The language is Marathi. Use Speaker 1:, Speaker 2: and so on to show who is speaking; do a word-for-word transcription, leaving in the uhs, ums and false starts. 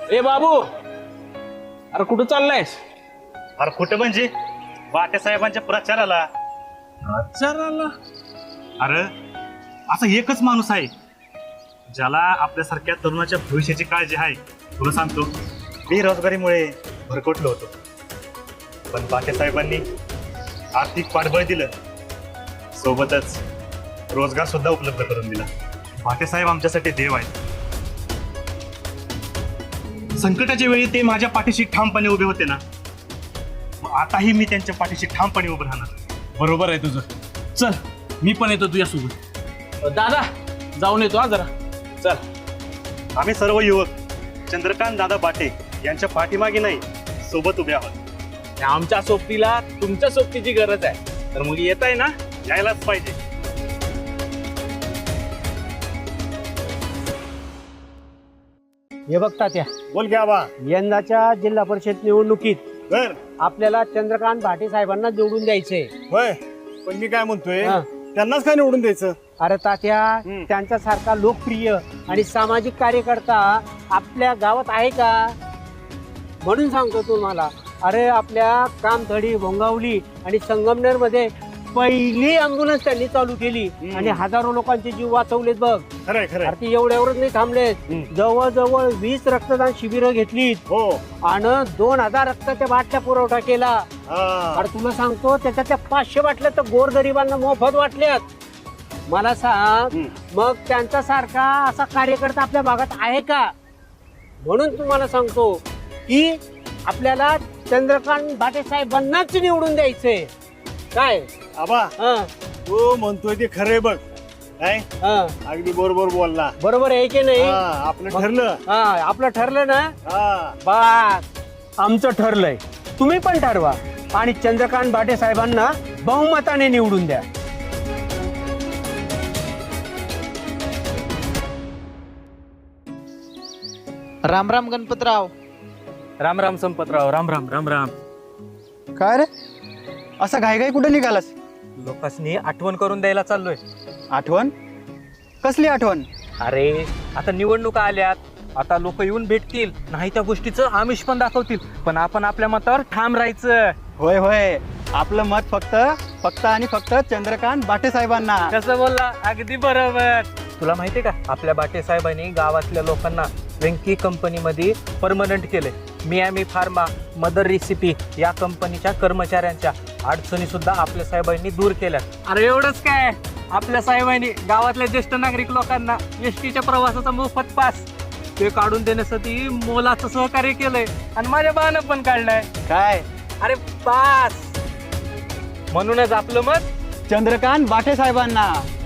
Speaker 1: ए बाबू, अरे कुठं चाललायस?
Speaker 2: अरे कुठं म्हणजे बाटे साहेबांच्या प्रचाराला.
Speaker 1: प्रचाराला?
Speaker 2: अरे असा एकच माणूस आहे ज्याला आपल्यासारख्या तरुणाच्या भविष्याची काळजी आहे. तुला सांगतो, बेरोजगारीमुळे भरकटलो होतो, पण बाटे साहेबांनी आर्थिक पाठबळ दिलं, सोबतच रोजगार सुद्धा उपलब्ध करून दिला. बाटे साहेब आमच्यासाठी देव आहेत. संकटाच्या वेळी ते माझ्या पाठीशी ठामपणे उभे होते ना, मग आताही मी त्यांच्या पाठीशी ठामपणे उभं राहणार.
Speaker 1: बरोबर आहे तुझं. चल मी पण येतो तुझ्यासोबत. दादा जाऊन येतो हा जरा. चल.
Speaker 2: आम्ही सर्व युवक चंद्रकांत दादा बाटे यांच्या पाठीमागे नाही, सोबत उभे आहोत.
Speaker 1: आमच्या सोबतीला तुमच्या सोबतीची गरज आहे, तर मग येत आहे ना,
Speaker 2: यायलाच पाहिजे.
Speaker 3: हे बघ तात्या,
Speaker 2: बोल घ्या बा.
Speaker 3: यंदाच्या जिल्हा परिषद निवडणुकीत
Speaker 2: बर
Speaker 3: आपल्याला चंद्रकांत भाटे साहेबांना निवडून द्यायचंय.
Speaker 2: होय, पण मी काय म्हणतोय,
Speaker 3: हा.
Speaker 2: त्यांनाच काय निवडून द्यायचं?
Speaker 3: अरे तात्या,
Speaker 2: हम्म.
Speaker 3: त्यांच्यासारखा लोकप्रिय आणि सामाजिक कार्यकर्ता आपल्या गावात आहे का? म्हणून सांगतो तुम्हाला. अरे आपल्या कामथडी, भोंगावली आणि संगमनेर मध्ये पहिली अँब्युलन्स त्यांनी चालू केली
Speaker 2: हम्म.
Speaker 3: आणि हजारो लोकांचे जीव वाचवलेत बघ.
Speaker 2: खरंय खरंय.
Speaker 3: अरे ते एवढ्यावरच नाही थांबलेत,
Speaker 2: हम्म.
Speaker 3: जवळजवळ वीस रक्तदान शिबिरं घेतलीत
Speaker 2: हो.
Speaker 3: आणि दोन हजार रक्ताच्या बाटल्या पुरवठा केला.
Speaker 2: हा.
Speaker 3: अरे तुला सांगतो, त्याच्यातल्या पाचशे बाटल्या तर गोरगरिबांना मोफत वाटल्यात. मला सांग,
Speaker 2: हम्म.
Speaker 3: मग त्यांचा सारखा असा कार्यकर्ता आपल्या भागात आहे का? म्हणून तुम्हाला सांगतो की आपल्याला चंद्रकांत भाटे साहेबांनाच निवडून द्यायचंय. काय
Speaker 2: आबा,
Speaker 3: हा,
Speaker 2: तू म्हणतोय ते खरंय बघ. काय
Speaker 3: हा,
Speaker 2: अगदी बरोबर बोलला.
Speaker 3: बरोबर आहे की नाही?
Speaker 2: हा, आपलं ठरलं.
Speaker 3: हा, आपलं ठरलं ना.
Speaker 2: हा.
Speaker 3: बस आमचं ठरलंय, तुम्ही पण ठरवा आणि चंद्रकांत भाटे साहेबांना बहुमताने निवडून द्या.
Speaker 4: राम राम गणपतराव.
Speaker 1: राम राम संपतराव. राम राम राम राम.
Speaker 4: काय रे, असा घाईघाई कुठे निघालास?
Speaker 1: लोकांनी आठवण करून द्यायला चाललोय.
Speaker 4: आठवण? कसली आठवण?
Speaker 1: अरे आता निवडणुका आल्यात, आता लोक येऊन भेटतील, नाही त्या गोष्टीचं आमिष पण दाखवतील, पण आपण आपल्या मतावर ठाम राहायचं.
Speaker 4: होय होय, आपलं मत फक्त फक्त आणि फक्त चंद्रकांत बाटे साहेबांना.
Speaker 1: कसं बोलला? अगदी बरोबर. तुला माहितीये का, आपल्या बाटे साहेबांनी गावातल्या लोकांना वेंकी कंपनीमध्ये परमनंट केले. मियामी फार्मा, मदर रेसिपी या कंपनीच्या कर्मचाऱ्यांच्या अडचणी सुद्धा आपल्या साहेबांनी दूर केल्या. अरे एवढंच काय, आपल्या साहेबांनी गावातल्या ज्येष्ठ नागरिक लोकांना एस टीच्या प्रवासाचा मोफत पास ते काढून देण्यासाठी मोलाचं सहकार्य केलंय आणि माझ्या बानं पण काढलंय.
Speaker 4: काय?
Speaker 1: अरे पास. म्हणूनच आपलं मत
Speaker 4: चंद्रकांत बाटे साहेबांना.